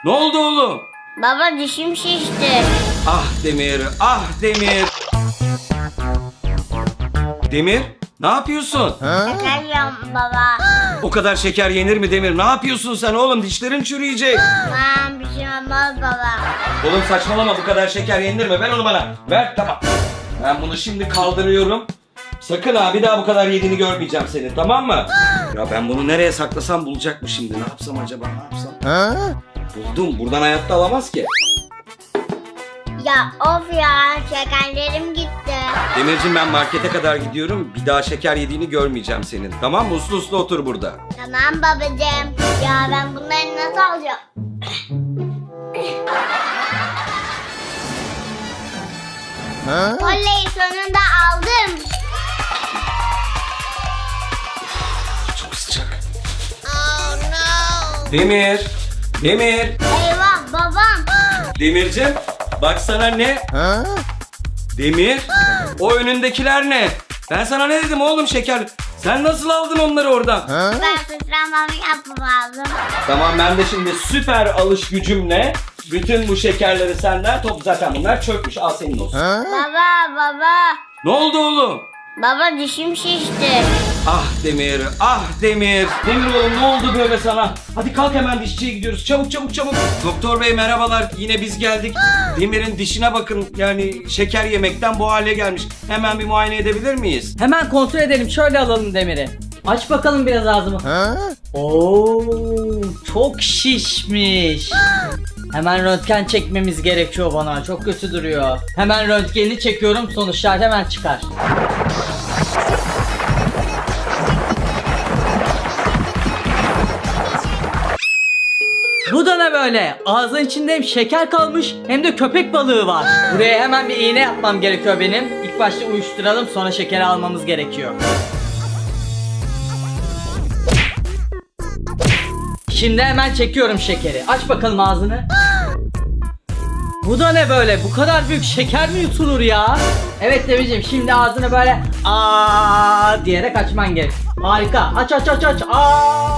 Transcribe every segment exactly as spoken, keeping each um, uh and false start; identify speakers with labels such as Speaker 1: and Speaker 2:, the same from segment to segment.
Speaker 1: Ne oldu oğlum?
Speaker 2: Baba dişim şişti.
Speaker 1: Ah Demir, ah Demir. Demir, ne yapıyorsun?
Speaker 2: Şeker yiyorum baba.
Speaker 1: O kadar şeker yenir mi Demir? Ne yapıyorsun sen oğlum? Dişlerin çürüyecek.
Speaker 2: Tamam bir şey olmaz baba.
Speaker 1: Oğlum saçmalama, bu kadar şeker yenir mi? Ver onu bana. Ver, tamam. Ben bunu şimdi kaldırıyorum. Sakın ha, bir daha bu kadar yediğini görmeyeceğim senin, tamam mı? Ya ben bunu nereye saklasam bulacak mı şimdi? Ne yapsam acaba, ne yapsam? Buldum, buradan hayatta alamaz ki.
Speaker 2: Ya of ya şekerlerim gitti.
Speaker 1: Demircim, ben markete kadar gidiyorum. Bir daha şeker yediğini görmeyeceğim senin. Tamam mı? Uslu uslu otur burada.
Speaker 2: Tamam babacığım. Ya ben bunları nasıl alacağım? Oley sonunda aldım.
Speaker 1: Çok sıcak. Demir. Demir.
Speaker 2: Eyvah babam.
Speaker 1: Demircim, bak sana ne? Demir. O önündekiler ne? Ben sana ne dedim oğlum, şeker? Sen nasıl aldın onları oradan?
Speaker 2: Ben sıçramamı yapmam lazım.
Speaker 1: Tamam, ben de şimdi süper alış gücümle bütün bu şekerleri senden top, zaten bunlar çökmüş, al senin olsun.
Speaker 2: Baba baba.
Speaker 1: Ne oldu oğlum?
Speaker 2: Baba dişim şişti.
Speaker 1: Ah Demir, ah Demir. Demir oğlum, ne oldu böyle sana? Hadi kalk, hemen dişçiye gidiyoruz. Çabuk çabuk çabuk. Doktor bey merhabalar, yine biz geldik. Demir'in dişine bakın, yani şeker yemekten bu hale gelmiş. Hemen bir muayene edebilir miyiz?
Speaker 3: Hemen kontrol edelim. Şöyle alalım Demir'i. Aç bakalım biraz ağzımı. Oo, çok şişmiş. Hemen röntgen çekmemiz gerekiyor bana. Çok kötü duruyor. Hemen röntgenini çekiyorum. Sonuçlar hemen çıkar. Bu da ne böyle? Ağzın içinde hem şeker kalmış hem de köpek balığı var. Buraya hemen bir iğne yapmam gerekiyor benim. İlk başta uyuşturalım, sonra şekeri almamız gerekiyor. Şimdi hemen çekiyorum şekeri. Aç bakalım ağzını. Bu da ne böyle? Bu kadar büyük şeker mi yutulur ya? Evet Demirciğim, şimdi ağzını böyle aa diyerek açman gerek. Harika. Aç aç aç aç. Aa.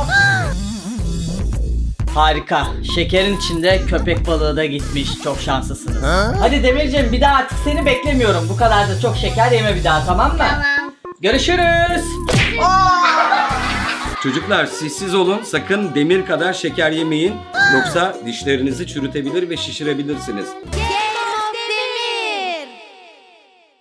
Speaker 3: Harika. Şekerin içinde köpek balığı da gitmiş. Çok şanslısınız. Hadi Demirciğim, bir daha artık seni beklemiyorum. Bu kadar da çok şeker yeme bir daha, tamam mı?
Speaker 2: Tamam.
Speaker 3: Görüşürüz.
Speaker 1: Çocuklar, sessiz olun. Sakın Demir kadar şeker yemeyin. Yoksa dişlerinizi çürütebilir ve şişirebilirsiniz.